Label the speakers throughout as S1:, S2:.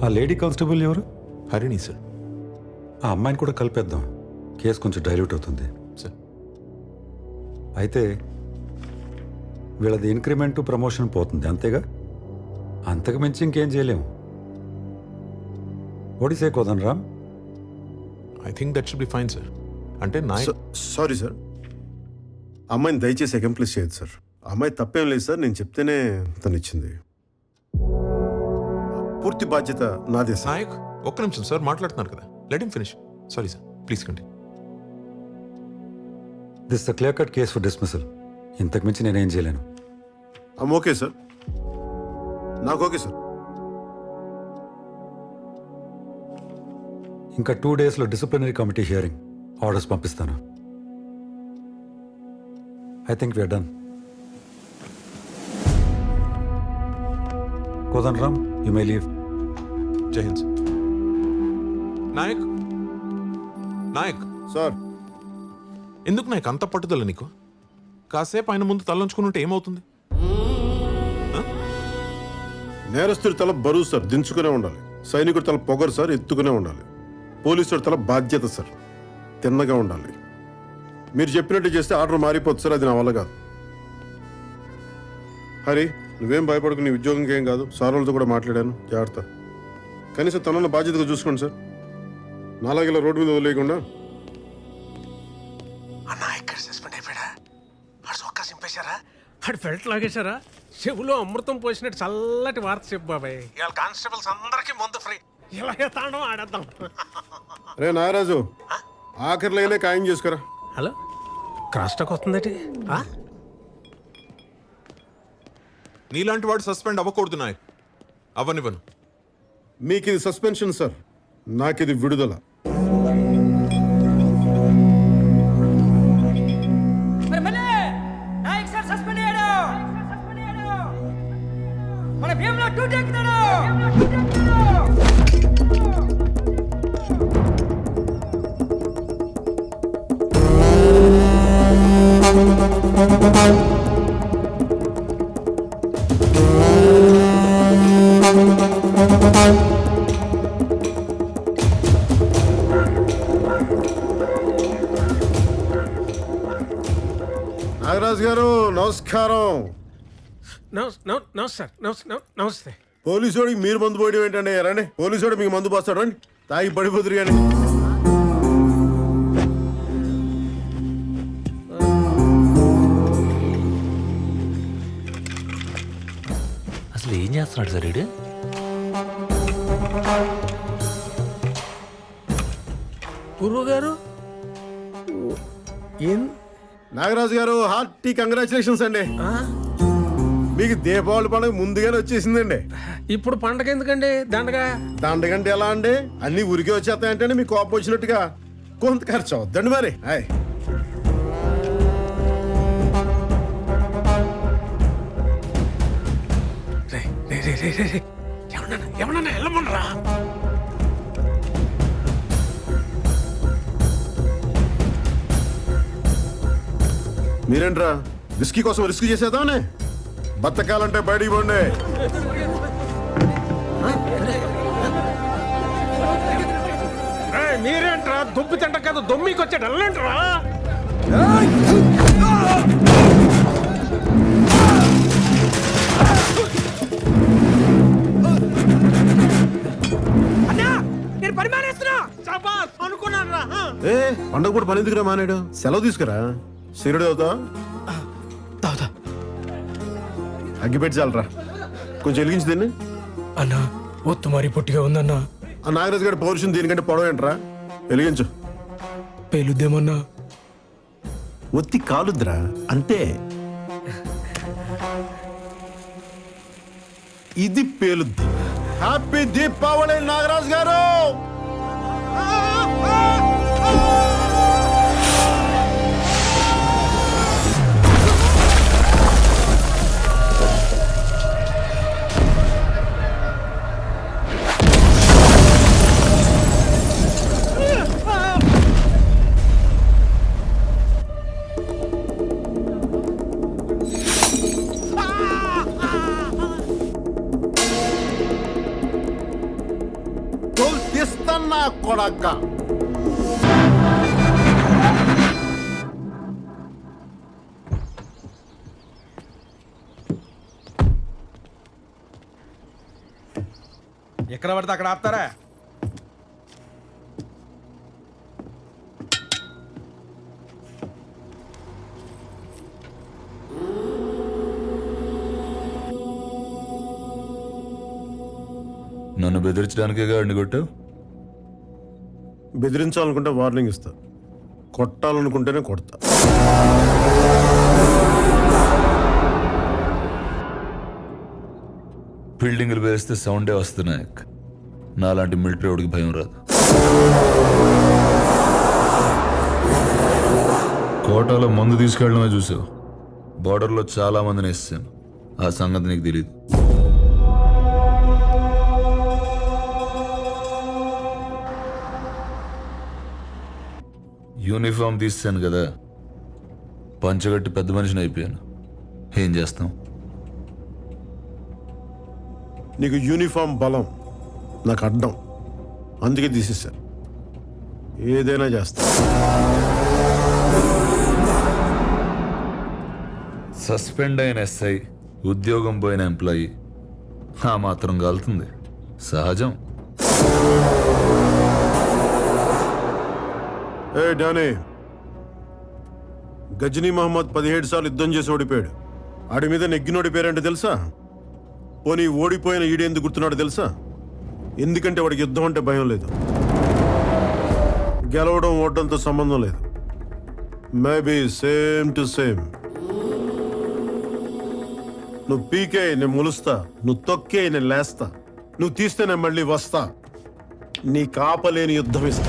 S1: ఆ lady constable ఎవరు?
S2: Harini sir.
S1: ఆ అమ్మాయిని కూడా కలిపేద్దాం, కేసు కొంచెం డైల్యూట్ అవుతుంది
S2: సార్.
S1: అయితే వీళ్ళది ఇంక్రిమెంట్ ప్రమోషన్ పోతుంది అంతేగా, అంతకు మించి ఇంకేం చేయలేము. ఒడిసే Kodan Ram.
S2: I think that should be fine sir. అంటే
S3: సారీ సార్, అమ్మాయిని దయచేసి అకంప్లీస్ చేయదు సార్. అమ్మాయి తప్పేం లేదు సార్, నేను చెప్తేనే తను ఇచ్చింది. పూర్తి బాధ్యత నాదే సార్.
S2: నాయక్ ఒక్క నిమిషం సార్, మాట్లాడుతున్నారు కదా, let him finish. Sorry sir, please continue.
S1: This the clear cut case for dismissal. ఇంతకు మించి నేనేం చేయలేను.
S3: ఓకే సార్, నాకు ఓకే సార్.
S1: ఇంకా 2 డేస్లో డిసిప్లినరీ కమిటీ హియరింగ్ ఆర్డర్స్ పంపిస్తాను. I think we're done. Kodan Ram, you may leave.
S2: Jai Hind sir. Nayak Nayak
S3: sir,
S2: ఎందుకు నాయక్ అంత పట్టుదల నీకు? కాసేపు ఆయన ముందు తలంచుకుని ఉంటే ఏమవుతుంది?
S3: నేరస్తుడి తల బరువు సార్, దించుకునే ఉండాలి. సైనికుడి తల పొగరు సార్, ఎత్తుకునే ఉండాలి. పోలీసుడి తల బాధ్యత సార్, తిన్నగా ఉండాలి. మీరు చెప్పినట్టు చేస్తే ఆర్డర్ మారిపోతుంది సార్, అది నా వల్ల కాదు. హరి, నువ్వేం భయపడకు, నీ ఉద్యోగంకి ఏం కాదు. సార్ వాళ్ళతో కూడా మాట్లాడాను, జాగ్రత్త. కనీసం తనన్న బాధ్యతగా చూసుకోండి సార్, నాలాగే ఇలా రోడ్డు మీద వదిలేయకుండా.
S4: అన్నా ఇక్కడ సస్పెండ్ అయిపోయాడా? ఆడు సొక్కా సింపేశారా? ఆడు ఫెల్ట్ లాగేశారా? చెవులో అమృతం పోసినట్టు చల్లటి వార్త చెప్పు బాబాయ్. ఇవాళ కానిస్టేబుల్స్ అందరికీ మందు ఫ్రీ. ఇలాగే తాండం ఆడేద్దాం.
S3: రే నాగరాజు, ఆఖరి లైనే ఖాయం చేసుకురా.
S4: హలో, క్రాస్ టాక్ వస్తుందటి.
S2: నీలాంటి వాడు సస్పెండ్ అవ్వకూడదు నాయక్. అవ్వనివ్వను.
S3: మీకు ఇది సస్పెన్షన్ సార్, నాకు ఇది విడుదల. నాగరాజు గారు నమస్కారం.
S4: నమస్తే.
S3: పోలీసుడికి మీరు మందు పోయడం ఏంటండి? రండి, పోలీసుడు మీకు మందు పోస్తాడు, రండి, తాగి పడిపోతురు కానీ.
S5: అసలు ఏం చేస్తున్నాడు సార్ వీడు?
S4: గురువు గారు ఏం?
S3: నాగరాజు గారు హార్టీ కంగ్రాచులేషన్స్ అండి. మీకు దీపావళి పండుగ ముందుగానే వచ్చేసిందండి.
S4: ఇప్పుడు పండగ ఎందుకండి?
S3: దండగంటే ఎలా అండి? అన్ని ఉరికి వచ్చేస్తాయంటే మీకు కోపం వచ్చినట్టుగా కొంత ఖర్చు అవుద్దండి మరి.
S4: ఏమన్నా వెళ్ళమనరా?
S3: మీరేంట్రా విస్కీ కోసం రిస్క్ చేసేదానే? బతకాలంటే బయటికి పోండి.
S4: మీరేంట్రా దుబ్బి తింట కాదు దొమ్మికి వచ్చాడు, వెళ్ళంట్రా.
S3: పండగ పూట పని ఎందుకురా మానేడు? సెలవు తీసుకురా. సిగరెట్ అవుతా అగ్గిపెట్టి చాలరా, కొంచెం వెలిగించి దీన్ని.
S4: అన్నా ఒత్తు మరి పొట్టిగా ఉందన్నా.
S3: ఆ నాగరాజు గారి పౌరుషం దీనికంటే పొడవ ఏంట్రా? వెలిగించు.
S4: పేలుద్దేమన్నా?
S3: ఒత్తి కాలుద్రా అంతే. ఇది పేలుద్ది. హ్యాపీ దీపావళి నాగరాజు గారు. కొడక.
S6: ఎక్కడ పడితే అక్కడ ఆపుతారా?
S7: నన్ను బెదిరించడానికే గాడిని కొట్టావు.
S3: బెదిరించాలనుకుంటే వార్నింగ్ ఇస్తా, కొట్టాలనుకుంటేనే కొడతా.
S7: బిల్డింగ్లు వేస్తే సౌండే వస్తున్నాయి. నాలాంటి మిలిటరీ వాడికి భయం రాదు. కోటాలో మందు తీసుకెళ్ళడమే చూసావు. బార్డర్లో చాలా మందిని వేసాను. ఆ సంగతి నీకు తెలియదు. యూనిఫామ్ తీసాను కదా, పంచగట్టి పెద్ద మనిషిని అయిపోయాను. ఏం చేస్తాం?
S3: నీకు యూనిఫామ్ బలం, నాకు అడ్డం. అందుకే తీసేశారు. ఏదైనా చేస్తా.
S7: సస్పెండ్ అయిన ఎస్ఐ, ఉద్యోగం పోయిన ఎంప్లాయీ ఆ మాత్రం కాలుతుంది. సహజం.
S3: ఏ డానీ, గజనీ మహమ్మద్ 17 సార్లు యుద్ధం చేసి ఓడిపోయాడు. ఆడి మీద నెగ్గినోడి పేరంటే తెలుసా? పోనీ ఓడిపోయిన ఈడేందుకు గుర్తున్నాడు తెలుసా? ఎందుకంటే వాడికి యుద్ధం అంటే భయం లేదు. గెలవడం ఓడడంతో సంబంధం లేదు. Maybe same to same. నువ్వు పీకే నేను ములుస్తా, నువ్వు తొక్కే నేను లేస్తా, నువ్వు తీస్తే నేను మళ్ళీ వస్తా. నీ కాపలేని యుద్ధం ఇస్తా.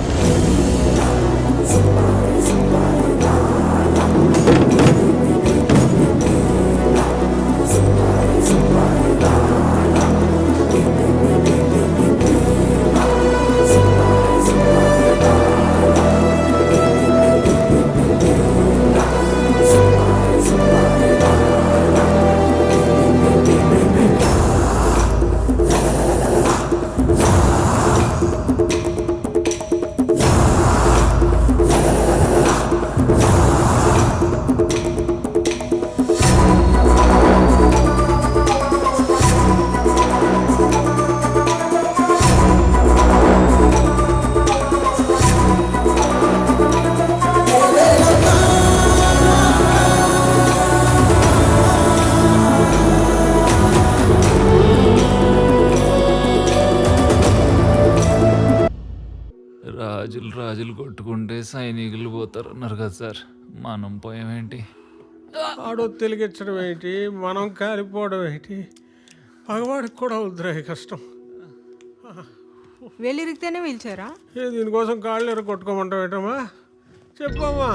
S5: రాజులు కొట్టుకుంటే సైనికులు పోతారు అన్నారు కదా సార్, మనం పోయామేంటి?
S4: ఆడో తెలిగించడం ఏంటి, మనం కాలిపోవడం ఏంటి? పగవాడికి కూడా వద్దురా కష్టం.
S8: వెళ్ళిరిగితేనే పిలిచారా?
S4: దీనికోసం కాళ్ళు ఎర కొట్టుకోమంటావు ఏంటమ్మా? చెప్పమ్మా.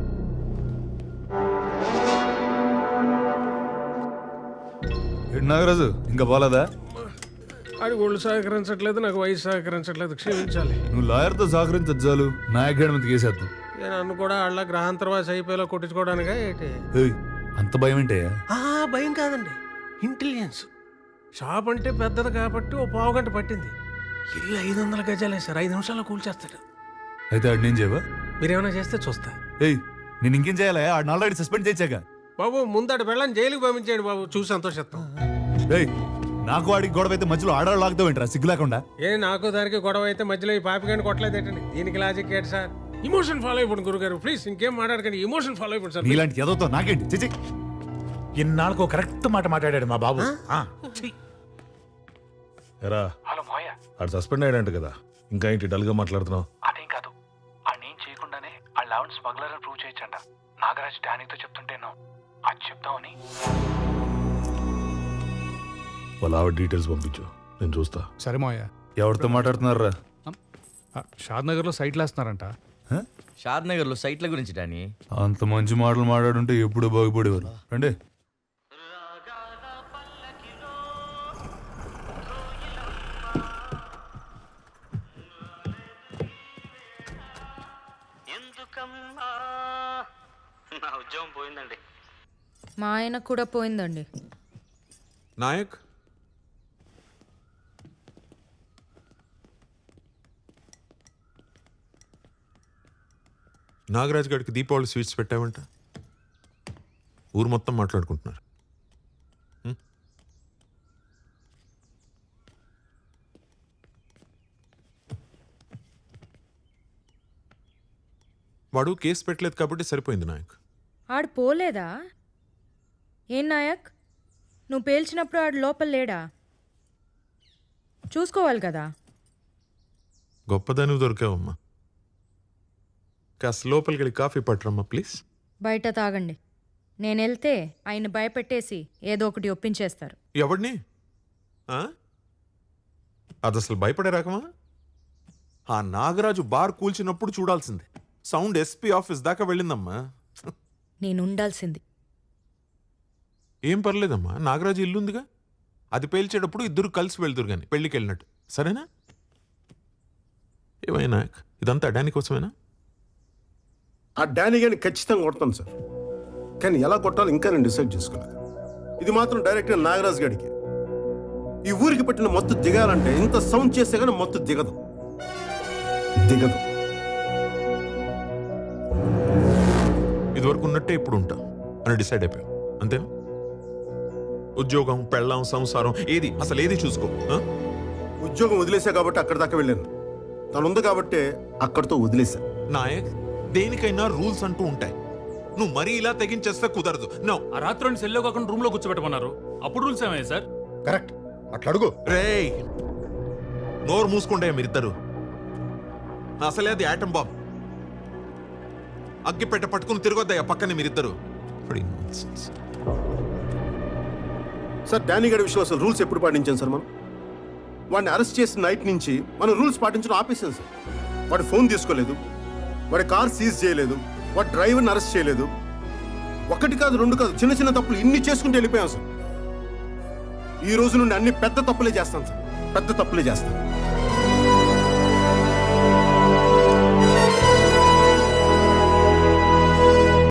S7: నాగరాజు ఇంకా పోలేదా?
S4: ఆడి ఒళ్ళు సహకరించట్లేదు, నాకు వయసు సహకరించట్లేదు. క్షమించాలి.
S7: నువ్వు లాయర్తో సహకరించాలు, నా అకాడమీకి కేసేద్దాం.
S4: నన్ను కూడా వాళ్ళ గ్రహాంతరవాసి అయిపోయేలా కొట్టించుకోవడానికా ఏంటి?
S7: అంత భయం ఏంటయ్యా?
S4: భయం కాదండి, ఇంటెలిజెన్స్. షాప్ అంటే పెద్దది కాబట్టి ఓ పావుగంట పట్టింది. ఇల్లు 500 గజాలే సార్, 5 నిమిషాల్లో కూల్చేస్తాడు.
S7: అయితే ఆడు నేను చేయవా?
S4: మీరేమైనా చేస్తే చూస్తా.
S7: నేను ఇంకేం చేయాలా? ఆడిని ఆల్రెడీ సస్పెండ్ చేశాక.
S4: బాబు ముందడు వెళ్ళని జైలుకి పంపించేయండి బాబు, చూసి సంతోషిస్తాం.
S7: నాకు వాడికి గొడవ అయితే మధ్యలో ఆడవాళ్ళు లాగుతావు ఏంట్రా సిగ్గు లేకుండా?
S4: నాకు దానికి గొడవ అయితే మధ్యలో ఈ పాపిగాని కొట్టలేదు ఏంటండి? దీనికి లాజిక్ ఏంటి సార్? ఇమోషన్ ఫాలో అయిపోండి గురుగారు, ప్లీజ్. ఇంకేం మాట్లాడకండి, ఇమోషన్ ఫాలో అయిపోండి సార్.
S7: ఇలాంటి ఎదవుతో నాకేంటి? చిచి,
S9: ఇన్నాళ్ళకు కరెక్ట్ మాట మాట్లాడాడు మా బాబు.
S10: ఎరా,
S9: హలో మోయ,
S10: ఆడు సస్పెండ్ అయ్యాడంట కదా, ఇంకా ఏంటి డల్గా మాట్లాడుతున్నావు?
S9: అదేం కాదు, ఆడేం చేయకుండానే ఆ లెవెన్ స్మగ్లర్ అని ప్రూవ్ చేయొచ్చంట. నాగరాజ్ డానీతో చెప్తుంటేను అది చెప్తామని.
S10: వాళ్ళ ఆవిడ డీటెయిల్స్ పంపించు, నేను చూస్తా.
S6: సరే మోయ.
S7: ఎవరితో మాట్లాడుతున్నారా?
S6: షాద్ నగర్ లో సైట్లు వేస్తున్నారంట.
S11: షాద్ నగర్ లో సైట్ల గురించి డానీ.
S7: అంత మంచి మాటలు మాట్లాడుంటే ఎప్పుడు బాగుపడేవారు. రండి.
S11: నా ఉద్యోగం పోయిందండి.
S8: మా ఆయన కూడా పోయిందండి.
S2: నాయక్, నాగరాజ్ గారికి దీపావళి స్వీట్స్ పెట్టావంట ఊరు మొత్తం మాట్లాడుకుంటున్నారు. వాడు కేసు పెట్టలేదు కాబట్టి సరిపోయింది నాయక్.
S8: ఆడు పోలేదా? ఏం నాయక్, నువ్వు పేల్చినప్పుడు ఆడు లోపల లేడా? చూసుకోవాలి కదా.
S2: గొప్పదాని దొరికావమ్మా. కాస్త లోపలికి వెళ్ళి కాఫీ పట్టరమ్మా ప్లీజ్.
S8: బయట తాగండి. నేను వెళ్తే ఆయన భయపెట్టేసి ఏదో ఒకటి ఒప్పించేస్తారు.
S2: ఎవడిని? అది అసలు భయపడే రకమా? ఆ నాగరాజు బార్ కూల్చినప్పుడు చూడాల్సిందే. సౌండ్ ఎస్పీ ఆఫీస్ దాకా వెళ్ళిందమ్మా.
S8: నేను ఉండాల్సింది.
S2: ఏం పర్లేదమ్మా, నాగరాజు ఇల్లుందిగా, అది పేల్చేటప్పుడు ఇద్దరు కలిసి వెళ్తురు కానీ పెళ్ళికి వెళ్ళినట్టు. సరేనా? ఏమైనా ఇదంతా డానీ కోసమేనా?
S3: ఆ డానీ గారిని ఖచ్చితంగా కొడతాను సార్, కానీ ఎలా కొట్టాలో ఇంకా నేను డిసైడ్ చేసుకోలేదు. ఇది మాత్రం డైరెక్ట్గా నాగరాజ్ గారికి. ఈ ఊరికి పెట్టిన మత్తు దిగాలంటే ఇంత సౌండ్ చేస్తే కానీ మత్తు దిగదు.
S2: ఇదివరకు ఉన్నట్టే ఇప్పుడు ఉంటా అని డిసైడ్ అయిపోయాం అంతేనా? ఉద్యోగం, పెళ్ళాం, సంసారం ఏది అసలు ఏది చూసుకో.
S3: ఉద్యోగం వదిలేసా కాబట్టి అక్కడి దాకా వెళ్ళాను. తను ఉంది కాబట్టి అక్కడితో వదిలేశా.
S2: నాయక్, దేనికైనా రూల్స్ అంటూ ఉంటాయి. నువ్వు మరీ ఇలా తెగించేస్తే కుదరదు. నో.
S6: ఆ రాత్రి సెల్లో కాకుండా రూమ్ లో కూర్చోబెట్టమన్నారు. అప్పుడు రూల్స్ ఏమయ్యాయి సార్?
S10: కరెక్ట్, అట్లా అడుగు.
S2: రేయ్, నోరు మూసుకుంటే మీరిద్దరు. అసలే అది యాటం బాంబ్. అగ్గిపెట్ట పట్టుకుని తిరగొద్దయ్యా పక్కనే మీరిద్దరు.
S3: సార్ డానీ గారి విషయంలో అసలు రూల్స్ ఎప్పుడు పాటించాం సార్? మనం వాడిని అరెస్ట్ చేసిన నైట్ నుంచి మనం రూల్స్ పాటించడం ఆపేసాం సార్. వాడి ఫోన్ తీసుకోలేదు, వాడి కార్ సీజ్ చేయలేదు, వాడి డ్రైవర్ని అరెస్ట్ చేయలేదు. ఒకటి కాదు, రెండు కాదు, చిన్న చిన్న తప్పులు ఇన్ని చేసుకుంటూ వెళ్ళిపోయాం సార్. ఈ రోజు నుండి అన్ని పెద్ద తప్పులే చేస్తాను సార్, పెద్ద తప్పులే చేస్తాను.